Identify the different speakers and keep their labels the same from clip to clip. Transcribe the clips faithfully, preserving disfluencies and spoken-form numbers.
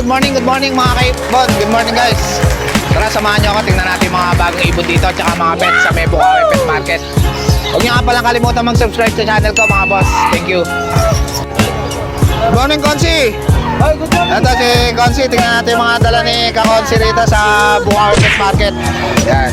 Speaker 1: good morning, good morning mga kaibon. Good morning guys. Tara, samahan nyo ako. Tingnan natin mga bagong ibon dito at saka mga pets sa may Bukawi Pet Market. Huwag nyo nga palang kalimutan mag-subscribe sa channel ko mga boss. Thank you. Good morning, Konsi.
Speaker 2: Ay, good morning.
Speaker 1: Ito si Konsi. Tingnan natin yung mga dala ni Kakonsi rito sa Bukawi Pet Market. Yan.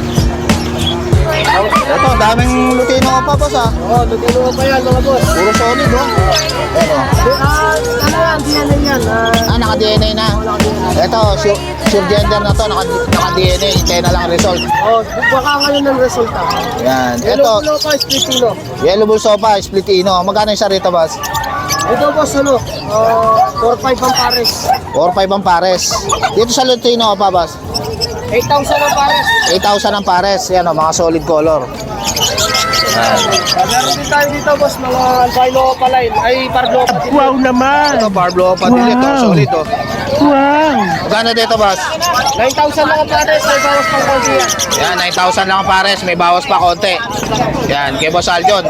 Speaker 1: Ito, daming Lutino pa boss ha.
Speaker 2: Oh, Lutino pa yan mga boss.
Speaker 1: Puro solid oh. Ito.
Speaker 2: Ah, ano yan, D N A yan.
Speaker 1: Ah, naka-D N A na. Ito, sure, sure gender na to, naka-D N A, hintay na lang result.
Speaker 2: Oh, baka ngayon ng resulta.
Speaker 1: Yan. Ito,
Speaker 2: Yellow Bull Sopa, Splitino.
Speaker 1: Yellow Bull Sopa, Splitino. Magkano yung isa rito, boss?
Speaker 2: Ito boss, ano, uh, four five ang pares.
Speaker 1: four five ang pares. Dito sa Lutino pa, boss?
Speaker 2: eight thousand ang pares.
Speaker 1: eight thousand ang pares. Yan o, mga solid color. Yan.
Speaker 2: Uh, meron din tayo dito boss, mga albino opaline. Ay, pardo opaline.
Speaker 3: Wow naman!
Speaker 1: Ito, Pablo pa din ito. Solid oh.
Speaker 3: Wow!
Speaker 1: Magkano dito, boss?
Speaker 2: nine thousand lang ang pares, may bawas pang konti yan.
Speaker 1: Yan, nine thousand lang ang pares. May bawas pa konti. Yan, kay Boss Aljon.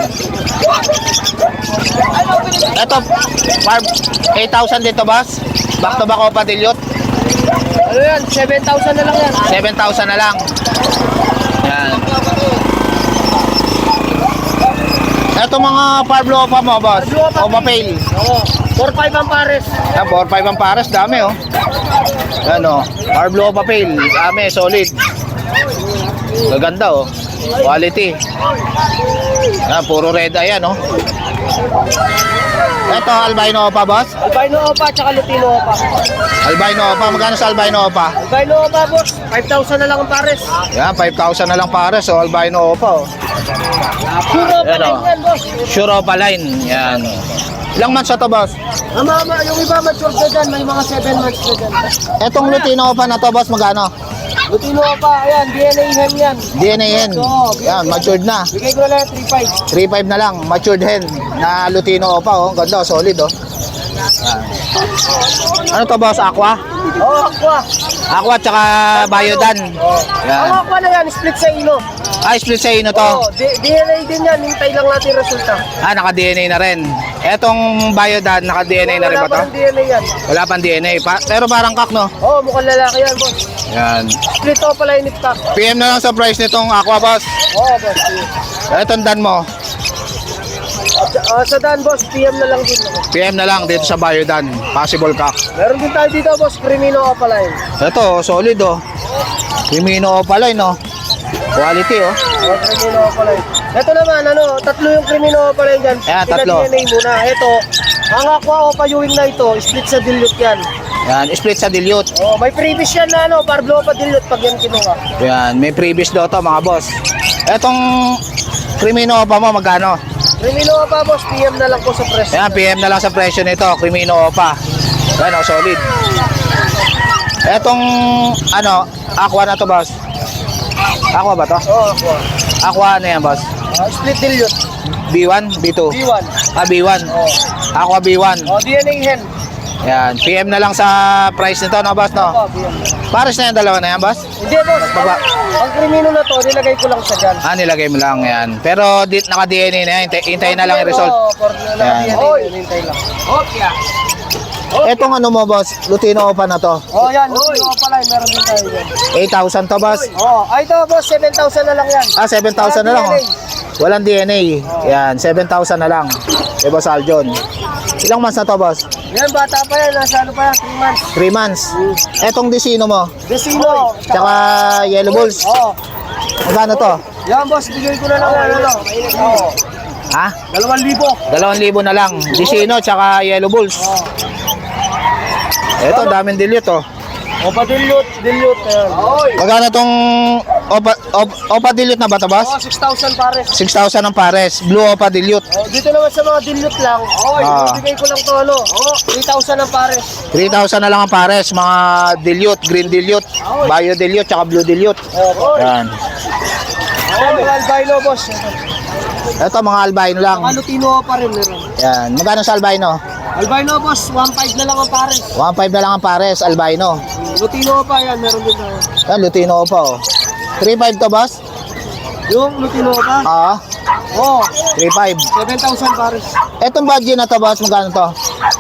Speaker 1: Ito, Barb, eight thousand dito, boss. Back to back Opa Dilute.
Speaker 2: Ano yan, seven thousand na lang yan.
Speaker 1: seven thousand na lang. Yan. Ito mga Pablo Opa mo, boss. Opa Pale.
Speaker 2: Oo, four five ang pares.
Speaker 1: Yan, four five ang pares. Dami, oh. Yan, oh. Pablo Opa Pale. Dami, solid. Gaganda, oh. Quality. Yan, puro red eye, yan, oh. Ito, albino Opa, boss.
Speaker 2: Albino opa, tsaka Lutino opa.
Speaker 1: Albino Opa. Magkano sa albino Opa?
Speaker 2: Albino opa boss, five thousand na lang ang pares.
Speaker 1: Yan, five thousand na lang pares. So, albino Opa, oh.
Speaker 2: Puro pa
Speaker 1: Yan,
Speaker 2: lang
Speaker 1: oh.
Speaker 2: yan boss.
Speaker 1: Sure Opa line. Yan. Ilang months na to, boss?
Speaker 2: Mama, ma, yung iba mature na dyan, may mga seven months na dyan.
Speaker 1: Etong Lutino Opa na to, boss, magkano?
Speaker 2: Lutino opa, ayan, D N A hen yan.
Speaker 1: D N A hen. Yan, matured na.
Speaker 2: Bigay ko na lang three five.
Speaker 1: three five na lang, matured hen na Lutino Opa, oh. Ganda, solid, oh. Yan. Ano to, boss? Aqua?
Speaker 2: Oo, oh, aqua.
Speaker 1: Aqua tsaka Biodan.
Speaker 2: Ang
Speaker 1: Yan.
Speaker 2: aqua na yan, split sa ino.
Speaker 1: Ah, split sa ino to.
Speaker 2: Oo, D- DNA din yan, hintay lang natin resulta.
Speaker 1: Ah, naka-D N A na rin. Etong Biodan, naka-D N A na rin ba to?
Speaker 2: Wala pa ng D N A yan.
Speaker 1: Wala pang D N A. Pa pero parang kak, no?
Speaker 2: Oo, oh, mukhang lalaki yan boss.
Speaker 1: Yan.
Speaker 2: Split o pala inip pack.
Speaker 1: P M na lang sa price nitong Aqua, boss.
Speaker 2: Oo, oh, boss.
Speaker 1: Etong Dan mo.
Speaker 2: Uh, sa Dan boss, P M na lang din.
Speaker 1: P M na lang dito sa Biodan. Possible kak.
Speaker 2: Meron din tayo dito boss, Crimino o pala yun.
Speaker 1: Ito, solid, oh. Crimino Opa line, oh. Quality, oh.
Speaker 2: Oh, Crimino o pala yun. Ito naman, ano, tatlo yung Crimino o pala yun dyan.
Speaker 1: Ayan, tatlo.
Speaker 2: Pina-D N A muna. Ito, ang aqua o payuwing na ito, split sa dilute yan.
Speaker 1: Yan, split sa dilute.
Speaker 2: Oh, may previous yan na ano, Parblo pa dilute pag yan kinuha.
Speaker 1: Yan, may previous daw to, mga boss. Etong Crimino Opa mo, magkano?
Speaker 2: Crimino o pa boss, P M na lang po sa press.
Speaker 1: Yan, P M na lang sa presyo nito, Crimino Opa. Yan, oh, solid. Etong, ano, Aqua na to, boss. Aqua ba to?
Speaker 2: Oo, oh, aqua.
Speaker 1: Aqua ano yan, boss?
Speaker 2: Uh, split dilute,
Speaker 1: B one, B two?
Speaker 2: B one.
Speaker 1: Ah, B one.
Speaker 2: Oh.
Speaker 1: Aqua B one.
Speaker 2: Oh, D N A hen.
Speaker 1: Yan, P M na lang sa price nito, no, boss, no?
Speaker 2: Oh, P M.
Speaker 1: Pares na yan, dalawa na yan, boss?
Speaker 2: Hindi boss,
Speaker 1: Baba.
Speaker 2: ang, ang Crimino na to, nilagay ko lang siya dyan.
Speaker 1: Ah, nilagay mo lang yan. Pero di, naka-D N A na yan. Hintay, hintayin na lang yung result.
Speaker 2: Oo, for na
Speaker 1: Yan.
Speaker 2: D N A, hintay lang. Okay.
Speaker 1: Etong ano mo, boss? Lutino Opa na to.
Speaker 2: Oh, yan, Lutino o pala, meron din tayo yan.
Speaker 1: eight thousand to, boss.
Speaker 2: Oh, ay ito boss, seven thousand na lang yan.
Speaker 1: Ah, seven thousand na lang, oh. Walang D N A. Yan, seven thousand na lang. Eh, Boss Aljon. Ilang months na to, boss?
Speaker 2: Yan, bata pa yan, nasa ano pa yan, three months.
Speaker 1: three months. Etong Desino mo?
Speaker 2: Desino.
Speaker 1: Tsaka Yellow Bulls.
Speaker 2: Oo.
Speaker 1: Magkano to?
Speaker 2: Yan boss, bigay ko na lang yan, ano. Oo.
Speaker 1: Ha?
Speaker 2: Dalawang libo.
Speaker 1: Dalawang libo na lang. Desino, tsaka Yellow Bulls. Eto, daming dilute, oh.
Speaker 2: Opa dilute, dilute. Oy.
Speaker 1: Magkano tong Opa, Opa, Opa Dilute na ba to, boss?
Speaker 2: Oh, six thousand pares.
Speaker 1: six thousand ang pares. Blue Opa Dilute.
Speaker 2: Oh, dito naman sa mga dilute lang. Oy,
Speaker 1: Ah.
Speaker 2: bigay ko lang to ano. Oh, three thousand ang pares.
Speaker 1: three thousand na lang ang pares. Mga dilute, green dilute, bio dilute, tsaka blue dilute.
Speaker 2: Oh,
Speaker 1: Yan.
Speaker 2: oh, mga albino boss.
Speaker 1: Ito, mga albino lang.
Speaker 2: Mga Lutino pa rin meron.
Speaker 1: Yan. Magkano sa albino?
Speaker 2: Albino boss, one five na lang ang pares.
Speaker 1: one five na lang ang pares, albino.
Speaker 2: Lutino pa yan, meron din tayo.
Speaker 1: Yan, Lutino pa, oh. three five to, boss?
Speaker 2: Yung Lutino pa?
Speaker 1: Ah,
Speaker 2: Oh,
Speaker 1: three five.
Speaker 2: seven thousand pares.
Speaker 1: Etong budget na to, boss, magkano to?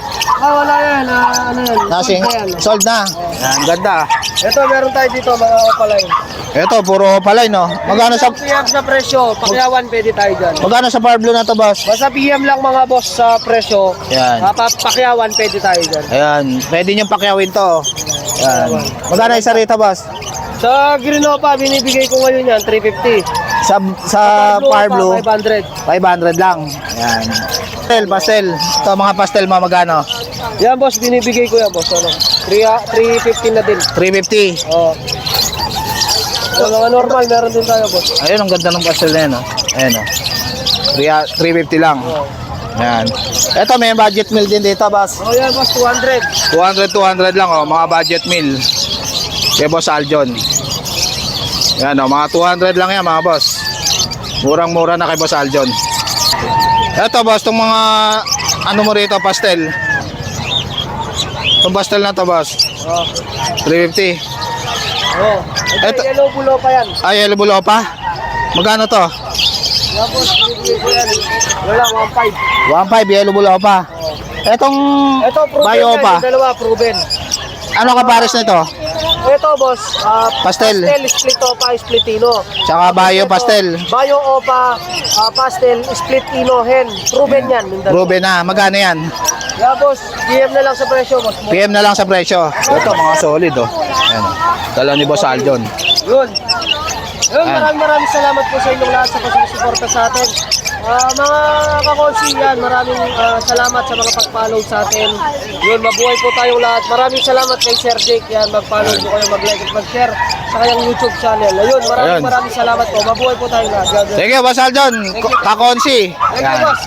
Speaker 2: Ah, wala yan. Ah, ano yan?
Speaker 1: Nasing,
Speaker 2: Sold na yan.
Speaker 1: sold na. Yan, ganda.
Speaker 2: Ito, meron tayo dito, mga opalay.
Speaker 1: Ito, puro palay, no? Magkano sa,
Speaker 2: P M sa presyo, pakyawan pwede tayo dyan.
Speaker 1: magkano sa Power Blue na to, boss?
Speaker 2: Basta P M lang mga boss sa presyo.
Speaker 1: Yan.
Speaker 2: Ah, pa- pakyawan pwede tayo dyan.
Speaker 1: Ayan, pwede nyo pakyawin to. Yan. Magkano isa rito, boss?
Speaker 2: Sa Grinopa, binibigay ko ngayon yan, three fifty.
Speaker 1: Sa, sa Power Blue,
Speaker 2: five hundred.
Speaker 1: five hundred lang. Yan. Pastel, pastel. Ito, mga pastel mo, magkano?
Speaker 2: Yan boss, binibigay ko yan boss. Ano? three fifty na din.
Speaker 1: three fifty.
Speaker 2: Oo. So, mga normal, meron din tayo boss.
Speaker 1: Ayun, ang ganda ng pastel na yun, oh. Ayan, oh. three fifty lang.
Speaker 2: Oo.
Speaker 1: Yan. Ito, may budget meal din dito, boss.
Speaker 2: Oh, yan boss, two hundred.
Speaker 1: two hundred, two hundred lang, oh. Mga budget meal. Kay Boss Aljon. Yan, oh. Mga two hundred lang yan, mga boss. Murang-mura na kay Boss Aljon. Ito, boss, itong mga ano mo rito, pastel. Itong pastel na to, boss.
Speaker 2: Oh.
Speaker 1: three fifty.
Speaker 2: Oh. Ito,
Speaker 1: Ito-
Speaker 2: yellow bulo pa yan.
Speaker 1: Ay, yellow bulo pa? Magkano to?
Speaker 2: Yan boss, binibigay ko yan. Wala, one five.
Speaker 1: one five, yellow bulo pa. Etong
Speaker 2: Ito, proven
Speaker 1: bayo
Speaker 2: yan,
Speaker 1: pa.
Speaker 2: yung dalawa, proven.
Speaker 1: Ano ka pares nito?
Speaker 2: Ito boss, ah,
Speaker 1: Pastel.
Speaker 2: pastel, split opa, splitino.
Speaker 1: Tsaka bayo pastel.
Speaker 2: Bayo opa, ah, pastel, split ino, hen. Proven yan. yung dalawa.
Speaker 1: Ruben na, magkano yan?
Speaker 2: Yeah, boss, D M na lang sa presyo, boss.
Speaker 1: P M na lang sa presyo. Ito, mga solid, oh. Ayan, oh. Dala ni Boss Aljon.
Speaker 2: Yun. Yun,
Speaker 1: Ayan.
Speaker 2: maraming maraming salamat po sa inyong lahat sa pagsusuporta sa atin. Ah, mga kakonsi yan, maraming ah, salamat sa mga pag-follow sa atin. Yun, mabuhay po tayong lahat. Maraming salamat kay Sir Jake yan. Mag-follow po kayo, mag-like at mag-share sa kanyang YouTube channel. Ayun, maraming
Speaker 1: Ayun.
Speaker 2: maraming salamat po. Mabuhay po tayong lahat. Yan, yan.
Speaker 1: Sige, Boss Aljon. Ko- Kakonsi.
Speaker 2: Thank you,
Speaker 1: Ayan.
Speaker 2: boss.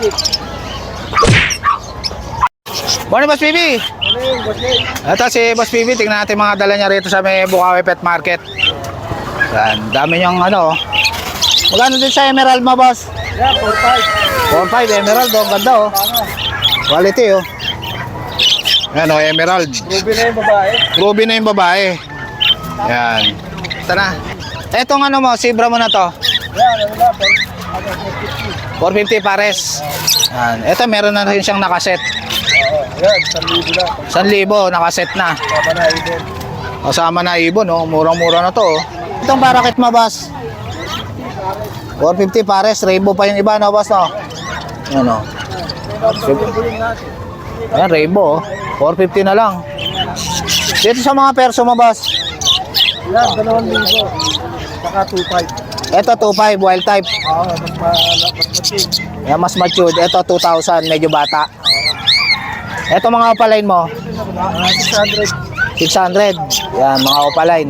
Speaker 1: Morning, Boss P B.
Speaker 2: Ano yun, boss?
Speaker 1: Ito si Boss P B. Tingnan natin mga dala niya rito sa may Bukawi Pet Market. Yan, dami niyang ano. Magkano din sa Emerald mo, boss?
Speaker 2: Yeah, four five.
Speaker 1: four five Emerald, oh. Ganda, oh. Quality, oh. Yan, oh, Emerald.
Speaker 2: Ruby na yung babae.
Speaker 1: Ruby na yung babae. Yan. Ito na. Etong ano mo, Zebra mo na to.
Speaker 2: Yan, ano na, four fifty.
Speaker 1: four fifty pares. Yan. Ito, meron na rin siyang nakaset.
Speaker 2: Oo, yan, one thousand na.
Speaker 1: one thousand nakaset na.
Speaker 2: Papa na, ibon.
Speaker 1: Kasama na ibon, oh. Murang-mura na to, oh. Itong parakit mo, boss. four fifty pares. Rainbow pa yung iba, no, boss, no? Yan, oh. Ayan, rainbow, oh. four fifty na lang. Dito sa mga perso mo, boss.
Speaker 2: Yan, dalawang libo. Saka two five.
Speaker 1: Ito, two five, wild type.
Speaker 2: Oo, mas ma-matig.
Speaker 1: Yan, mas matured. Ito, two thousand, medyo bata. Ito, mga opaline mo.
Speaker 2: six hundred.
Speaker 1: six hundred. Yan, mga opaline.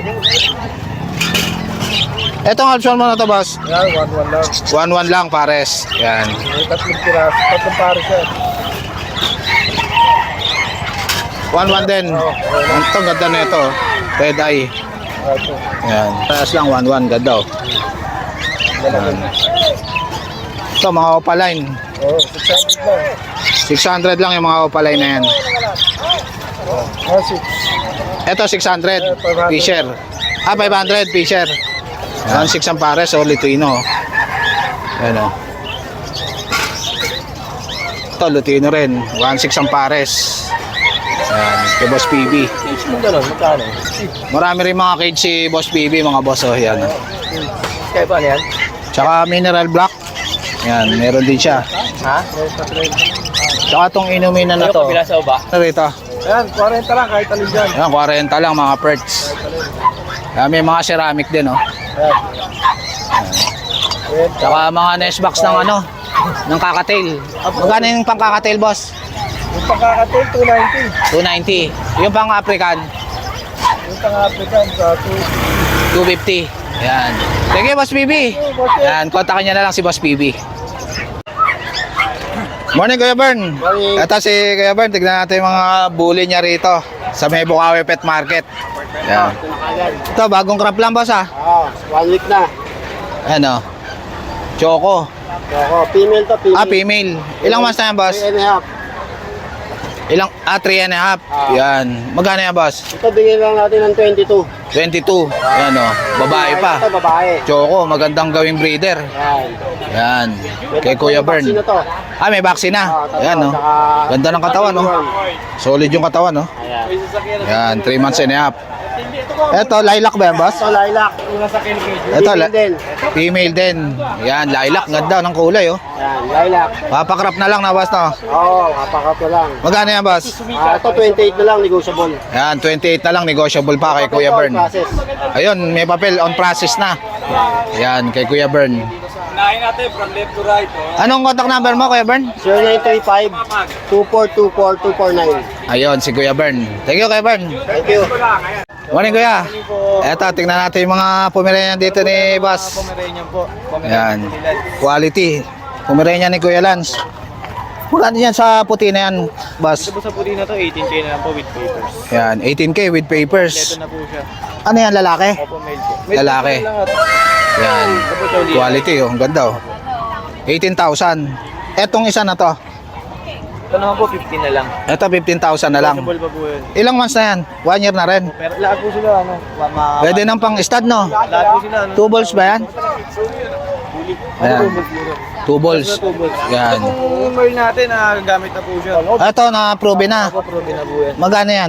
Speaker 1: Etong option mo na to, boss.
Speaker 2: Yan, one one lang.
Speaker 1: one one lang, pares. Yan.
Speaker 2: May tatlong piraso. Tatlong pares yan.
Speaker 1: one one din. Ito, ganda na ito. Red eye.
Speaker 2: Ito.
Speaker 1: Yan. Pares lang, one one. Ganda, oh. Yan. Ito, mga opaline.
Speaker 2: Oo, six hundred lang.
Speaker 1: six hundred lang yung mga opaline na yan.
Speaker 2: Ah, six.
Speaker 1: Ito, six hundred. Fisher. Ah, five hundred. Fisher. one six ang pares, o Lutino. Ayan, o. Ito, Lutino rin. one six ang pares. Ayan, kay Boss P B.
Speaker 2: Six mo gano'n, magkano?
Speaker 1: Marami rin mga cage si Boss P B, mga boss, o. Ayan, o.
Speaker 2: Kaya pa yan?
Speaker 1: Tsaka mineral black. Ayan, meron din siya.
Speaker 2: Ha? Meron pa rin.
Speaker 1: Tsaka itong inuminan na to.
Speaker 2: sa uba?
Speaker 1: Ano rito?
Speaker 2: Ayan, forty lang, kahit alin dyan.
Speaker 1: Ayan, forty lang mga perts. Ayan, may mga ceramic din, o.
Speaker 2: Ayan. Ayan.
Speaker 1: Tsaka mga nest box ng ano, ng kakatail. Magkano yung pang kakatail, boss?
Speaker 2: Yung pagkakatil, two ninety.
Speaker 1: two ninety. Yung pang African,
Speaker 2: Yung pang-African, sa two
Speaker 1: two fifty. Ayan. Sige, Boss B B. Ayan, kontakin niya na lang si Boss B B. Morning, Kuya Bern.
Speaker 2: Morning.
Speaker 1: Ito si Kuya Bern. Tignan natin yung mga bully niya rito sa may Bukawi Pet Market. Ayan. Ito, bagong crop lang, boss, ah.
Speaker 2: Ah, one week na.
Speaker 1: Ano? Choco.
Speaker 2: Ako, female to female.
Speaker 1: Ah, female. Ilang months na yan, boss?
Speaker 2: Three and a half.
Speaker 1: Ilang, ah, three and a half.
Speaker 2: Ah.
Speaker 1: Yan. Magkano yan, boss?
Speaker 2: Ito, bigyan lang natin ng twenty-two.
Speaker 1: twenty-two. Yan, oh. Babae pa.
Speaker 2: Ito, babae.
Speaker 1: Choco, magandang gawing breeder.
Speaker 2: Yan.
Speaker 1: Yan. Kay Kuya Bern.
Speaker 2: Sino to?
Speaker 1: Ah, may vaccine na.
Speaker 2: Ah, tatlo,
Speaker 1: Yan, oh.
Speaker 2: saka-
Speaker 1: Ganda ng katawan, oh. Solid yung katawan, oh.
Speaker 2: Ayan.
Speaker 1: Yan, three months and a half. Eto, lilac ba yan, boss?
Speaker 2: Ito, lilac.
Speaker 1: Ito,
Speaker 2: Female
Speaker 1: la-
Speaker 2: din.
Speaker 1: female din. Yan, lilac. Ganda ng kulay, oh.
Speaker 2: Yan, lilac.
Speaker 1: Papakrap na lang na, boss, no?
Speaker 2: Oo, kapakat na lang.
Speaker 1: Magkano yan, boss?
Speaker 2: Ah, ito, twenty-eight na lang, negotiable.
Speaker 1: Yan, twenty-eight na lang. Negotiable pa kay Kuya Bern.
Speaker 2: Process.
Speaker 1: Ayun, may papel on process na. Yan, kay Kuya Bern.
Speaker 3: Unahin natin from left to right. Oh.
Speaker 1: Anong contact number mo, Kuya Bern?
Speaker 2: zero nine three five, two four two four, two four nine.
Speaker 1: Ayun, si Kuya Bern. Thank you, Kuya Bern.
Speaker 2: Thank you.
Speaker 1: Morning, Kuya. Eto, tingnan natin yung mga Pomeranian dito ni Boss.
Speaker 3: Pomeranian po.
Speaker 1: Yan. Quality. Pomeranian ni Kuya Lance. Magkano yan sa puti na yan, Boss?
Speaker 3: Ito po sa puti na to, eighteen K na lang po with papers.
Speaker 1: Yan, eighteen K with papers.
Speaker 3: Ito na po siya.
Speaker 1: Ano yan, lalaki?
Speaker 3: Opo, male po.
Speaker 1: Lalaki. Yan. Quality, oh. Ang ganda, oh. eighteen thousand. Etong isa na to.
Speaker 3: Ito naman po, fifteen na lang.
Speaker 1: Ito, fifteen thousand na lang.
Speaker 3: Possible pa po yun.
Speaker 1: Ilang months na yan? One year na rin.
Speaker 3: Pero lahat po sila, ano, ma... ma-
Speaker 1: Pwede nang pang stud, no?
Speaker 3: lahat po sila, ano.
Speaker 1: Two balls ba yan? Ayan. Two balls.
Speaker 3: Two balls.
Speaker 1: Yan.
Speaker 3: Ito pong merl natin, ah, gamit na po siya.
Speaker 1: Ito, na-prove na.
Speaker 3: Opo, probe na po yan.
Speaker 1: Magkano yan?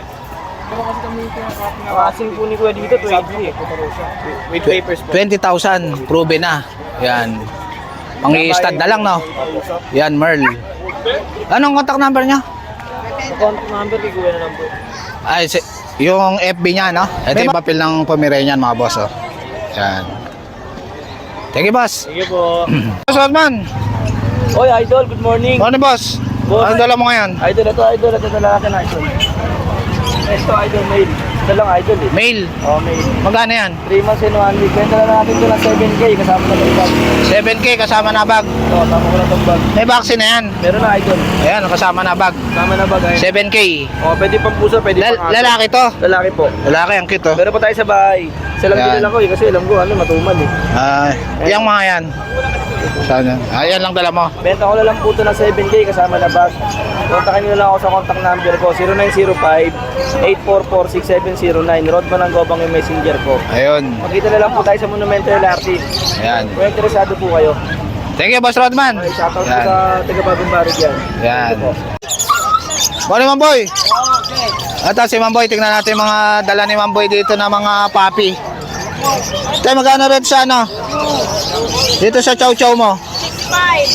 Speaker 3: Kasing po ni Kuya dito, twenty. With papers po.
Speaker 1: twenty thousand. Prove na. Yan. Pang i-stud na lang, no? Yan, Merl. Anong contact number niya?
Speaker 3: Contact number kay Kuya na lang po.
Speaker 1: Ay, si, yung F B niya, no? Ito yung papel ng Pomeranian, mga boss, oh. Yan. Thank you, boss.
Speaker 3: Sige po.
Speaker 1: Boss Rodman.
Speaker 3: Oy, Idol, good morning.
Speaker 1: Ano, boss?
Speaker 3: Boss.
Speaker 1: Anong dala mo ngayon?
Speaker 3: Idol, ito, Idol, ito lalaki na Idol. Ito, Idol, male. Ito lang, Idol eh.
Speaker 1: Mail.
Speaker 3: Oh, male.
Speaker 1: Magkano yan?
Speaker 3: three months and one week. Kwenta na natin ito ng seven K kasama na itong bag.
Speaker 1: seven K kasama na bag.
Speaker 3: Ito, kasama ko na itong bag.
Speaker 1: May vaccine na yan.
Speaker 3: Meron na, Idol.
Speaker 1: Ayan, kasama na bag.
Speaker 3: Kasama na bag, Idol.
Speaker 1: seven K.
Speaker 3: Oh, pwede pang pusa, pwede
Speaker 1: Lal-
Speaker 3: pang aso.
Speaker 1: lalaki to.
Speaker 3: Lalaki po.
Speaker 1: Lalaki, ang cute, oh.
Speaker 3: Meron pa tayo sa bahay. Isa lang
Speaker 1: Yan.
Speaker 3: din ako eh, kasi alam ko, ano, matumal eh.
Speaker 1: Ah, yung mga yan. Sana. Ayan lang dala mo.
Speaker 3: Benta ko na lang po ito ng seven K kasama na bag. Kontakin nyo na lang ako sa contact number ko, zero nine zero five, eight four four, six seven zero nine. Rodman ang gobang yung messenger ko.
Speaker 1: Ayun.
Speaker 3: Magkita na lang po tayo sa Monumento L R T.
Speaker 1: Ayan.
Speaker 3: Kung interesado po kayo.
Speaker 1: Thank you, Boss Rodman.
Speaker 3: Okay, shoutout po
Speaker 1: Yan.
Speaker 3: sa taga Bagong Barig yan.
Speaker 1: Yan. Morning, Mamboy. Ito si Mamboy. Tingnan natin mga dala ni Mamboy dito na mga papi. Tayo, magkano rin sa ano? Dito sa chow chow mo.
Speaker 4: Five.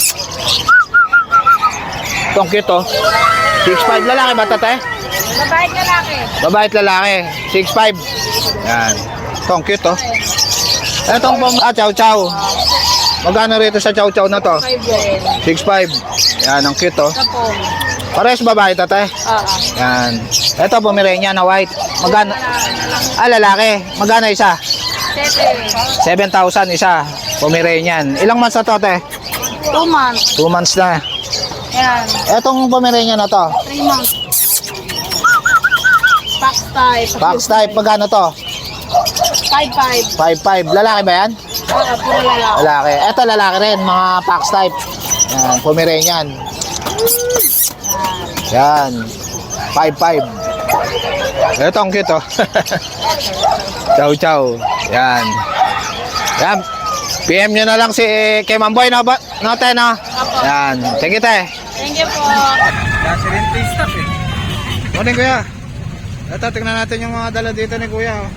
Speaker 1: Itong cute, oh. six five lalaki ba ito, te?
Speaker 4: Babae lalaki.
Speaker 1: Babae at lalaki. six five. Yan. Itong cute, oh. Itong pang, ah, chow chow. Magkano rito sa chow chow na to?
Speaker 4: Five din.
Speaker 1: six five. Yan, ang cute, oh.
Speaker 4: Kapong.
Speaker 1: Pares babae ito, te?
Speaker 4: Oo.
Speaker 1: Yan. Ito, Pomeranian na white. Magkano? Ah, lalaki. Magkano isa?
Speaker 4: Sete.
Speaker 1: seven thousand isa. Pomeranian. Ilang months na to, te?
Speaker 4: Two months.
Speaker 1: two months na.
Speaker 4: Yan.
Speaker 1: Etong Pomeranian na to?
Speaker 4: Three months. Box type.
Speaker 1: Box type. Magkano to?
Speaker 4: Five five.
Speaker 1: five five. Lalaki ba yan?
Speaker 4: Oo, puro lalaki.
Speaker 1: Lalaki. Eto, lalaki rin. Mga box type. Yan. Pomeranian. Yan. five five. Ito ang cute, oh. Chow chow. Yan. Yan. P M nyo na lang si kay Mamboy, no? Ba? No, te, no? Yan. Thank you, te.
Speaker 4: Thank you po.
Speaker 3: Kasi rin taste stuff eh.
Speaker 1: Morning, kuya. Ito, tingnan natin yung mga dala dito ni kuya, oh.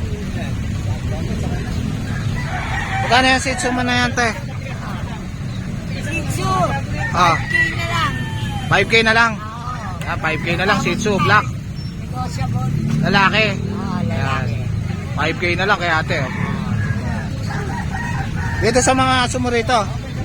Speaker 1: Magkano yung Shih Tzu mo na yan, te?
Speaker 4: Shih Tzu.
Speaker 1: Ah,
Speaker 4: K na lang.
Speaker 1: five K na lang. Ah, five K na lang, Shih Tzu, black.
Speaker 4: Negotiable.
Speaker 1: Lalaki.
Speaker 4: Oo, lalaki.
Speaker 1: five K na lang kay ate, oh. Dito sa mga sumurito.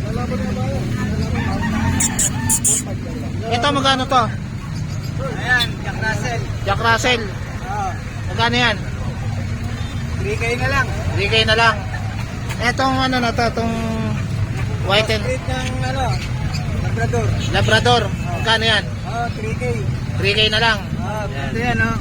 Speaker 1: Ito, magkano to?
Speaker 3: Ayan, Jack Russell.
Speaker 1: Jack Russell.
Speaker 3: Oh,
Speaker 1: Magkano yan?
Speaker 3: three K na lang.
Speaker 1: three K na lang. Etong ano na to, itong white and
Speaker 3: Street ng ano, Labrador.
Speaker 1: Labrador. Magkano yan?
Speaker 3: Oh, three K.
Speaker 1: three K na lang.
Speaker 3: Oh, ito yan oh.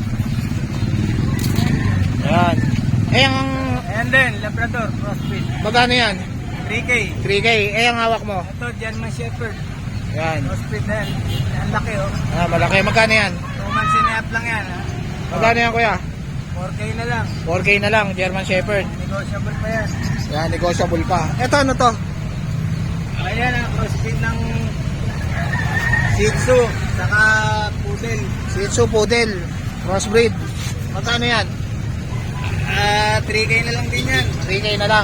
Speaker 1: Ayan. Eh, ang
Speaker 3: Ayan din, Labrador, crossbreed.
Speaker 1: magkano yan?
Speaker 3: three K.
Speaker 1: three K. Eh, ang hawak mo?
Speaker 3: Ito, German Shepherd.
Speaker 1: Yan.
Speaker 2: Hospital na yan. Ang laki oh.
Speaker 1: Ah, malaki. Magkano yan?
Speaker 2: two months and a half lang yan. Ha?
Speaker 1: Magkano yan, kuya?
Speaker 2: four K na lang.
Speaker 1: four K na lang, German Shepherd.
Speaker 2: Negotiable pa yan.
Speaker 1: Yan, negotiable pa. Ito, ano to?
Speaker 2: Ayan ang crossbreed ng Shih Tzu, saka Poodle.
Speaker 1: Shih Tzu Poodle. Crossbreed. Magkano yan?
Speaker 2: Ah, three K na lang din yan.
Speaker 1: three K na lang.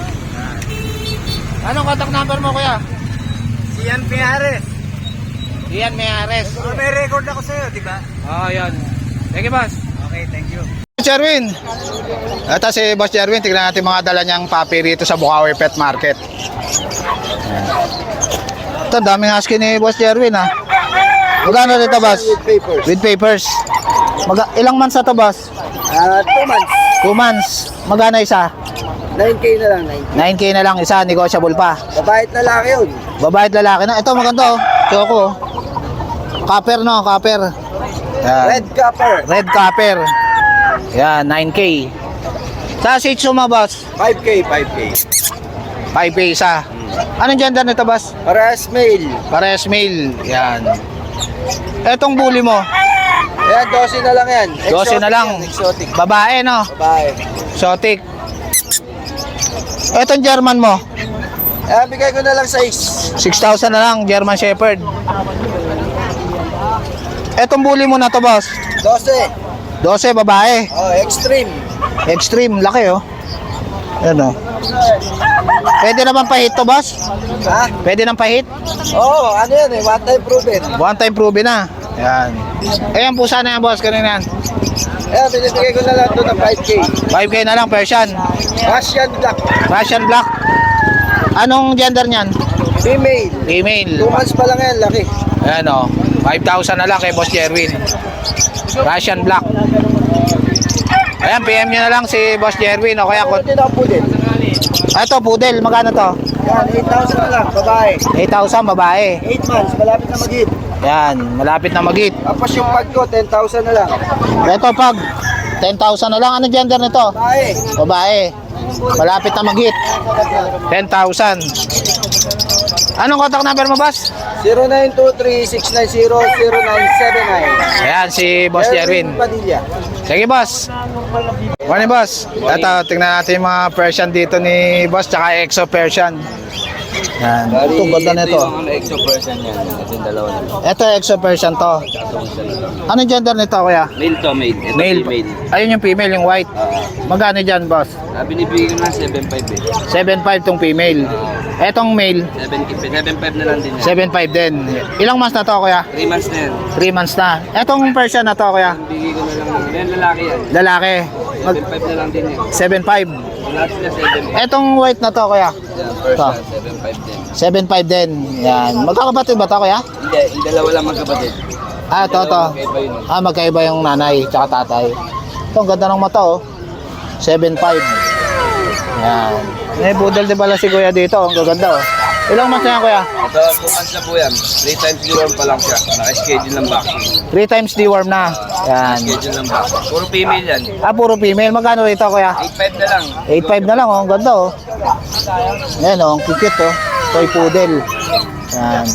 Speaker 1: Anong contact number mo, kuya?
Speaker 2: Si Ian Piares.
Speaker 1: Ian Meares.
Speaker 2: Oh, may record ako sa'yo, di ba?
Speaker 1: Oh, yan. Thank you, boss.
Speaker 2: Okay, thank you.
Speaker 1: Jerwin. Ito si Boss Jerwin. Tignan natin mga dala niyang papi rito sa Bukawi Pet Market. Ayan. Ito, daming husky ni Boss Jerwin, ha. Magkano dito, boss?
Speaker 2: With papers.
Speaker 1: With papers. Mag ilang months na to, boss?
Speaker 2: Ah, two months.
Speaker 1: two months. Magkano isa?
Speaker 2: nine K na lang, nine K.
Speaker 1: nine K na lang isa. Negotiable pa.
Speaker 2: Babait na lang yun.
Speaker 1: Babae at lalaki na. Ito, maganda, oh. Choco. Copper, no? Copper. Yan.
Speaker 2: Red copper.
Speaker 1: Red copper. Yan, nine K. Sa Shih Tzu mo, boss?
Speaker 2: five K, five K.
Speaker 1: five K isa. Anong gender nito, boss?
Speaker 2: Parehas male.
Speaker 1: Parehas male. Yan. Etong bully mo?
Speaker 2: Ayan, twelve na lang yan.
Speaker 1: twelve na lang.
Speaker 2: Yan, exotic.
Speaker 1: Babae, no?
Speaker 2: Babae.
Speaker 1: Exotic. Etong German mo?
Speaker 2: Ayan, bigay ko na lang size.
Speaker 1: six thousand na lang, German Shepherd. Etong bully mo na to, boss?
Speaker 2: twelve.
Speaker 1: twelve, babae.
Speaker 2: Oh, extreme.
Speaker 1: Extreme, laki, oh. Yan, oh. Pwede naman pahit to, boss?
Speaker 2: Ha?
Speaker 1: Pwede nang pahit?
Speaker 2: Oo, oh, ano yan eh, one time proven.
Speaker 1: One time proven na. Yan. Ayan po sana yan, boss. Kanina yan.
Speaker 2: Ayan, binibigay ko na lang ito ng five K.
Speaker 1: five K na lang, Persian.
Speaker 2: Russian black.
Speaker 1: Russian black. Anong gender niyan?
Speaker 2: Female.
Speaker 1: Female.
Speaker 2: two months pa lang yan, laki.
Speaker 1: Ayan, oh. five thousand na lang kay Boss Jerwin. Russian black. Ayan, P M nyo na lang si Boss Jerwin. O kaya,
Speaker 2: Ano din ako po din?
Speaker 1: ah, ito, poodle. Magkano to?
Speaker 2: Yan, eight thousand na lang, babae.
Speaker 1: eight thousand, babae.
Speaker 2: eight months, malapit na mag-hit.
Speaker 1: Yan, malapit na mag-hit.
Speaker 2: Tapos yung pag ko, ten thousand na lang.
Speaker 1: Ito, pag ten thousand na lang. Anong gender nito?
Speaker 2: Babae.
Speaker 1: Babae. Malapit na mag-hit. ten thousand. Anong contact number mo, boss?
Speaker 2: zero nine two three six nine zero zero nine seven nine.
Speaker 1: Ayan, si Boss Jerwin.
Speaker 2: Padilla.
Speaker 1: Sige, boss. Morning, boss. Ito, tingnan natin yung mga Persian dito ni boss, tsaka Exo Persian. Yan. Ito, ganda na ito.
Speaker 3: Yung exo person yan. Ito yung dalawa na.
Speaker 1: Ito, Exo Persian to. Anong gender nito, kuya?
Speaker 3: Male to, male. Ito
Speaker 1: Male.
Speaker 3: female.
Speaker 1: Ayun yung female, yung white. Magkano dyan, boss?
Speaker 3: Ah, binibigay ko na seven five eh.
Speaker 1: seven five tong female. Etong male,
Speaker 3: seven five na lang din yan.
Speaker 1: seven five din. Ilang months na to, kuya?
Speaker 3: three months na yan.
Speaker 1: three months na. Etong Persian na to, kuya?
Speaker 3: Bigay ko na lang. Yan lalaki yan.
Speaker 1: Lalaki.
Speaker 3: seven five na lang din yan.
Speaker 1: seven five.
Speaker 3: Lahat sila seven five.
Speaker 1: Etong white na to, kuya?
Speaker 3: Yan, Persian, seven five din.
Speaker 1: seven five din. Yan. Magkakapatid ba to, kuya?
Speaker 3: Hindi, yung dalawa lang magkapatid.
Speaker 1: Ah, ito, ito.
Speaker 3: Magkaiba yun.
Speaker 1: Ah, magkaiba yung nanay tsaka tatay. Ito, ang ganda ng mata, oh. seven five. Yan. May budal din pala si kuya dito. Ang gaganda, oh. Ilang months na yan, kuya?
Speaker 3: Ito, two months na po yan. three times deworm pa lang siya. Naka-schedule ng vaccine.
Speaker 1: three times deworm na. Yan.
Speaker 3: Schedule ng vaccine. Puro female yan.
Speaker 1: Ah, puro female. Magkano rito, kuya?
Speaker 3: eight five na lang.
Speaker 1: eight five na lang, oh. Ang ganda, oh. Yan, oh. Ang cute, oh. Toy poodle. Yan.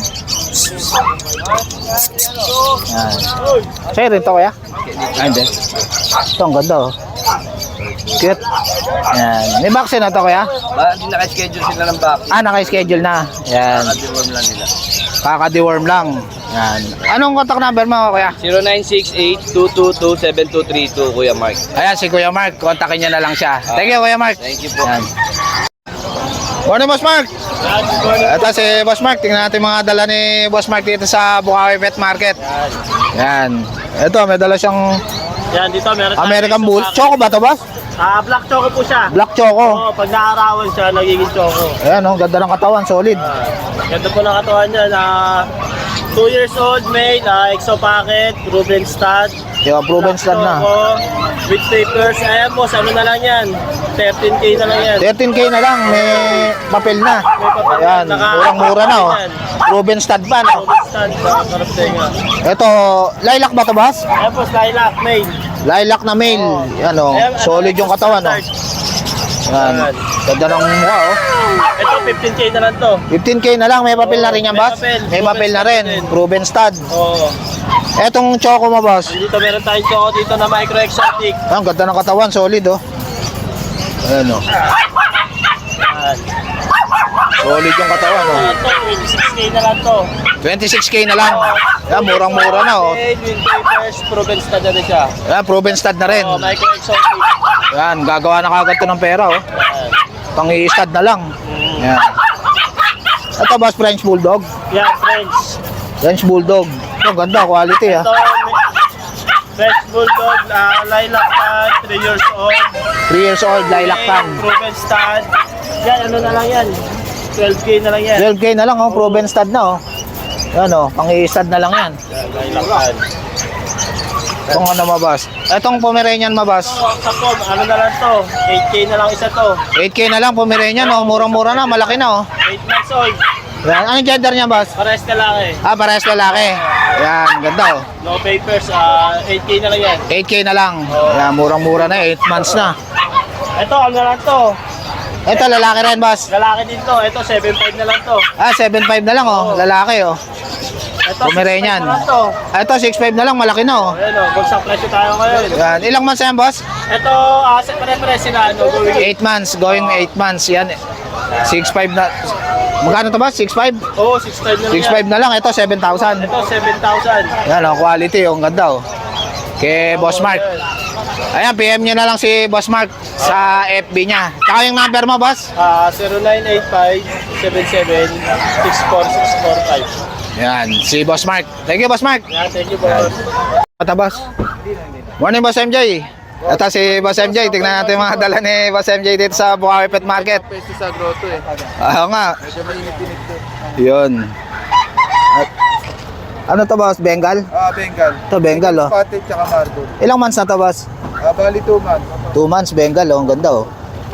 Speaker 1: Yan. Sa'yo rin to, kuya?
Speaker 3: Ah, hindi.
Speaker 1: Ito, ang ganda, oh. Cute. Yan. May vaccine na to, kuya?
Speaker 3: Ba, hindi naka-schedule sila ng vaccine.
Speaker 1: Ah, naka-schedule na. Yan.
Speaker 3: Naka-deworm lang nila.
Speaker 1: Kaka-deworm lang. Yan. Anong contact number mo, kuya?
Speaker 3: zero nine six eight two two two seven two three two, Kuya Mark.
Speaker 1: Ayan, si Kuya Mark. Kontakin niya na lang siya. Thank you, Kuya Mark.
Speaker 3: Thank you po.
Speaker 1: Yan. Morning, Boss Mark. Ito si Boss Mark. Tingnan natin mga dala ni Boss Mark dito sa Bukawi Pet Market. Yan. Ito, may dala siyang
Speaker 2: Yan, dito meron tayong
Speaker 1: American
Speaker 2: exo
Speaker 1: Bull.
Speaker 2: pack.
Speaker 1: Choco ba ito, Boss?
Speaker 2: Ah, black choco po siya.
Speaker 1: Black Choco.
Speaker 2: Oo, pag naarawan siya, nagiging choco.
Speaker 1: Ayan, oh, ganda ng katawan. Solid.
Speaker 2: Ganda po ng katawan niya na two years old male, uh, exo packet, proven stud.
Speaker 1: Yung proven stud na.
Speaker 2: Choco, with papers. Ayan po, ano na lang yan? thirteen K na lang yan.
Speaker 1: thirteen K na lang. May papel na.
Speaker 2: May papel na.
Speaker 1: Ayan,
Speaker 2: Naka-
Speaker 1: murang-mura na, oh.
Speaker 2: yan.
Speaker 1: Proven stud pa, no?
Speaker 2: Proven stud, uh, karaptenga.
Speaker 1: Ito, lilac ba ito, Boss?
Speaker 2: Ayan po, lilac, male.
Speaker 1: Lilac na male. Yan, oh.
Speaker 2: Ayan,
Speaker 1: Solid yung katawan, oh.
Speaker 2: standard.
Speaker 1: Yan. Ganda ng mukha, oh.
Speaker 3: Ito, fifteen K na lang to.
Speaker 1: fifteen K na lang. May papel na rin yan,
Speaker 3: May
Speaker 1: boss?
Speaker 3: papel.
Speaker 1: May papel na rin. Proven stud.
Speaker 3: Oo.
Speaker 1: Etong choco mo, boss?
Speaker 3: Dito meron tayong choco dito na micro exotic.
Speaker 1: Ah, ang ganda ng katawan. Solid, oh. Ayan, oh.
Speaker 3: Yan.
Speaker 1: Solid yung katawan, oh.
Speaker 3: Ito, twenty-six K na lang to.
Speaker 1: twenty-six K na lang. Yan, murang-mura na, oh.
Speaker 3: Okay, twin papers, proven stud na rin siya.
Speaker 1: Yan, proven stud na rin.
Speaker 3: Oo, micro exotic.
Speaker 1: Yan, gagawa na kagad to ng pera, oh.
Speaker 3: Yan.
Speaker 1: Pang-i-stud na lang. Yan. Ito, boss, French Bulldog.
Speaker 3: Yan, French.
Speaker 1: French Bulldog. Ito, ganda, quality, ah.
Speaker 3: Ito, French Bulldog, uh, lilac tan, three years old.
Speaker 1: three years old, lilac tan.
Speaker 3: Proven stud. Yan, ano na lang yan. twelve K na lang yan.
Speaker 1: twelve K na lang, oh. Proven stud na, oh. Yan, oh. Pang-i-stud na lang yan.
Speaker 3: Yan, lilac tan.
Speaker 1: Itong ano, mabas. Itong Pomeranian, mabas.
Speaker 3: Ito, sa pom, ano na lang to. eight K na lang isa to.
Speaker 1: eight K na lang, Pomeranian, oh. Murang-mura na, malaki na, oh.
Speaker 3: eight months old.
Speaker 1: Yan. Anong gender niya, boss?
Speaker 3: Pares ka lang eh.
Speaker 1: Ah, parehas lalaki. Yan, ganda, oh.
Speaker 3: No papers, uh, eight K na lang yan.
Speaker 1: eight K na lang. Yan, murang-mura na, eight months na.
Speaker 3: Ito, ano na lang to.
Speaker 1: Ito, lalaki rin, boss.
Speaker 3: Lalaki din to. Ito, seven five na lang to.
Speaker 1: Ah, seven five na lang, oh. Lalaki, oh.
Speaker 3: Ito,
Speaker 1: Pomeranian.
Speaker 3: six five na lang to.
Speaker 1: Ah, ito, six five na lang, malaki na, oh.
Speaker 3: Ayan o, bagsak presyo tayo ngayon.
Speaker 1: Yan. Ilang months na yan, boss?
Speaker 3: Ito, uh, sa pare-pare sila, ano, going
Speaker 1: eight months, going eight months. Yan, six five na. Magkano to, boss? six five?
Speaker 3: Oo, six five na lang
Speaker 1: six five na lang, ito, seven thousand.
Speaker 3: Ito, seven thousand.
Speaker 1: Yan, oh, quality, oh. Ang ganda, oh. Kay Boss Mark. Ayan, P M nyo na lang si Boss Mark sa F B niya. Tsaka yung number mo, boss?
Speaker 3: Ah, zero nine eight five, seven seven, six four six four five.
Speaker 1: Yan, si Boss Mark. Thank you, Boss Mark.
Speaker 3: Yeah, thank you, boss.
Speaker 1: Ata, boss. Morning, Boss M J. Ito si Boss M J. Tingnan natin yung mga dala ni Boss M J dito sa Bukawi Pet Market.
Speaker 2: Peso sa grotto eh.
Speaker 1: Oo nga.
Speaker 2: Medyo mainit-init to.
Speaker 1: Yun. At- ano to, boss? Bengal?
Speaker 2: Ah, Bengal.
Speaker 1: Ito, Bengal, oh.
Speaker 2: Spotted tsaka Marble.
Speaker 1: Ilang months na to, boss?
Speaker 2: Ah, bali two months.
Speaker 1: Two months, Bengal, oh. Ang ganda, oh.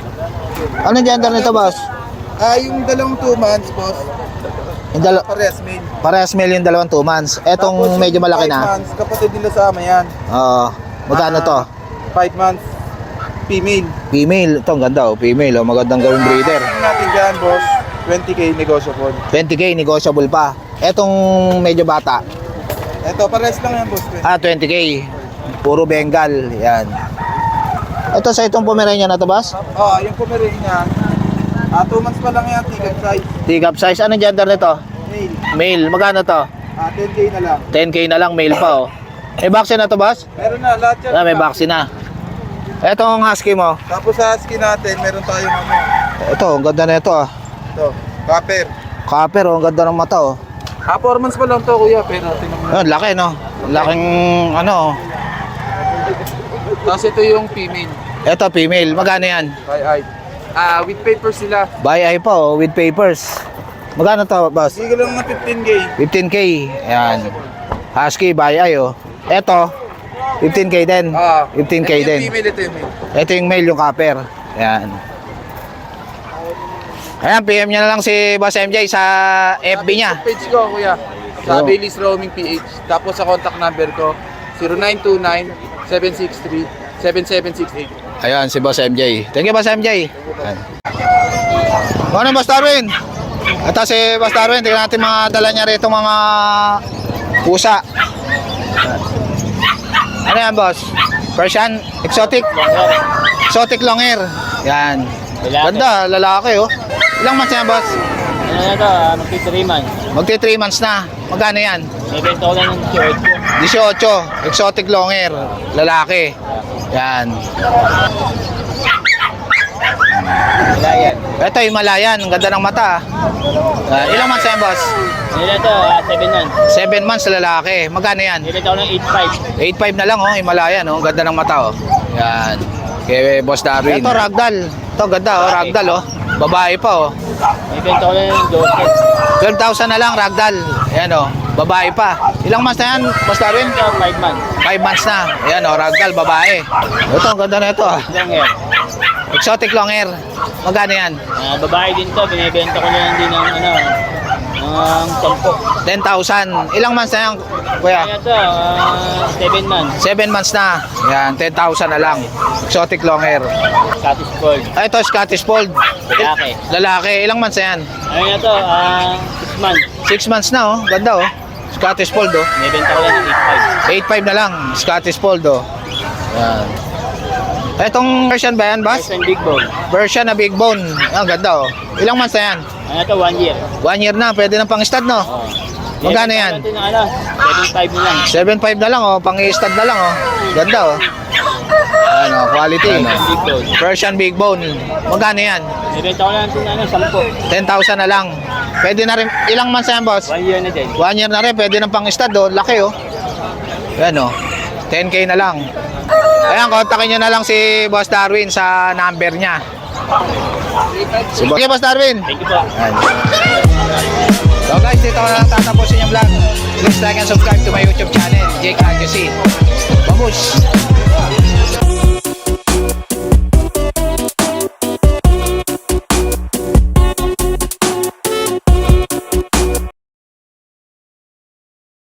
Speaker 1: Anong gender nito, boss?
Speaker 2: Ah, yung dalawang two months, boss.
Speaker 1: Yung dala-
Speaker 2: Parehas main.
Speaker 1: parehas male yung dalawang two months. Etong
Speaker 2: Tapos,
Speaker 1: medyo
Speaker 2: yung
Speaker 1: malaki
Speaker 2: five
Speaker 1: na.
Speaker 2: months, kapatid nila sa ama yan.
Speaker 1: Oo. Magkano to?
Speaker 2: five months, female.
Speaker 1: Female. Ito, ang ganda, oh. Female, oh. Magandang gawing breeder.
Speaker 2: Ang natin dyan, boss, twenty K negotiable.
Speaker 1: twenty K, negotiable pa. Etong medyo bata.
Speaker 2: Ito, parehas lang yan, boss.
Speaker 1: Ah, twenty K. Puro Bengal. Yan. Ito sa itong Pomeranian na to, boss?
Speaker 2: Oh, yung Pomeranian, ah, two months pa lang yan, ticket size.
Speaker 1: Tigap size. Anong gender nito?
Speaker 2: Male.
Speaker 1: Male. Magkano to?
Speaker 2: Ah, ten K na lang.
Speaker 1: ten K na lang, male pa, oh. May vaccine na to, boss?
Speaker 2: Meron na, lahat yan.
Speaker 1: Ah, may vaccine na. Ito ang husky mo.
Speaker 2: Tapos sa husky natin, meron tayong ano,
Speaker 1: Ito, ang ganda na ito, ah.
Speaker 2: ito, copper.
Speaker 1: Copper, oh. Ang ganda ng mata, oh.
Speaker 2: Ah, four months pa lang to, kuya, pero tingnan mo.
Speaker 1: Ah, laki, no? Laking, ano, oh.
Speaker 2: Tapos ito yung female,
Speaker 1: Ito, female. Magkano yan?
Speaker 2: by eye. Ah, with paper sila.
Speaker 1: Buy eye pa, oh. With papers. Magkano to, boss?
Speaker 2: Sige lang na fifteen K.
Speaker 1: fifteen K. Yan. Husky, buy eye, oh. Ito, fifteen K din.
Speaker 2: Ah,
Speaker 1: fifteen K
Speaker 2: ito
Speaker 1: din.
Speaker 2: yung female, ito yung male.
Speaker 1: Ito yung male, yung copper. Yan. Ayan, P M niya na lang si Boss M J sa F B niya.
Speaker 2: Sa page ko, kuya. Sa
Speaker 1: Oh.
Speaker 2: Bailey's Roaming P H. Tapos sa contact number ko, zero nine two nine, seven six three, seven seven six eight.
Speaker 1: Ayan, si Boss M J. Thank you, Boss M J. Ayan. Ano, Boss Darwin? Ito si Boss Darwin. Tingnan natin mga dala niya rito, mga pusa. Ano yan, Boss? Persian? Exotic? Exotic long hair. Yan. Ganda, lalaki, oh. Ilang months yan, Boss?
Speaker 3: Ano na ito, uh, magti three months.
Speaker 1: Magti three months na. Magkano yan?
Speaker 3: May benta ko lang ng eighteen.
Speaker 1: eighteen. Exotic long hair. Lalaki. Yan.
Speaker 3: Malayan.
Speaker 1: Ito, Himalayan. Ang ganda ng mata. Ah, ilang months yan, Boss?
Speaker 3: Ano na ito, uh, seven months.
Speaker 1: seven months lalaki. Magkano yan?
Speaker 3: May benta ko ng eight five.
Speaker 1: eight five na lang, oh. Himalayan, oh. Ang ganda ng mata, oh. Yan. Kay Boss Darwin. Ito, ragdoll. Ito, ganda, oh. Ragdoll, oh. Babae pa, oh.
Speaker 3: May benta ko lang ng twelve.
Speaker 1: twelve thousand na lang, ragdoll. Ayan, oh. Babae pa. Ilang months na yan, Boss Darwin?
Speaker 3: Ito, five months.
Speaker 1: five months na. Ayan, oh. Ragdoll, babae. Ito, ang ganda na ito, ah.
Speaker 3: Long hair.
Speaker 1: Exotic long hair. Magkano yan?
Speaker 3: Uh, babae din to, binibenta ko lang din ng ano, ng sampo.
Speaker 1: ten thousand. Ilang months na yan, kuya?
Speaker 3: Ito, ah, seven months.
Speaker 1: seven months na. Yan, ten thousand na lang. Exotic long hair.
Speaker 3: Scottish Fold.
Speaker 1: Ay, ito, Scottish Fold.
Speaker 3: Lalaki.
Speaker 1: Lalaki. Ilang months na yan?
Speaker 3: Ano na to? Ah, six months.
Speaker 1: six months na, oh. Ganda, oh. Scottish Fold, oh.
Speaker 3: Nibenta ko lang ng eight five.
Speaker 1: eight five na lang. Scottish Fold, oh. Yan. Etong version ba yan, boss?
Speaker 3: First and big bone.
Speaker 1: Version na big bone. Ah, ganda, oh. Ilang months na yan?
Speaker 3: Ano to? One year.
Speaker 1: One year na. Pwede na pang stud, no?
Speaker 3: Oh.
Speaker 1: Magkano yan?
Speaker 3: Ito na ano, seven five na lang.
Speaker 1: seven five na lang, oh. Pang stud na lang, oh. Ganda, oh. Ano, quality.
Speaker 3: First and big bone.
Speaker 1: Persian big bone. Magkano yan?
Speaker 3: Nibenta ko lang ito na ano, sampo.
Speaker 1: ten thousand na lang. Pwede na rin. Ilang months na yan, boss?
Speaker 3: One year na din.
Speaker 1: One year na rin. Pwede na pang stud, oh. Laki, oh. Yan, oh. ten K na lang. Ayan, kontakin nyo na lang si Boss Darwin sa number niya. Si Boss, okay, Boss Darwin.
Speaker 3: Thank you po.
Speaker 1: Ayan. So guys, dito ko na lang tatapusin yung vlog. Please like and subscribe to my YouTube channel, Jake Adjusi. Babush!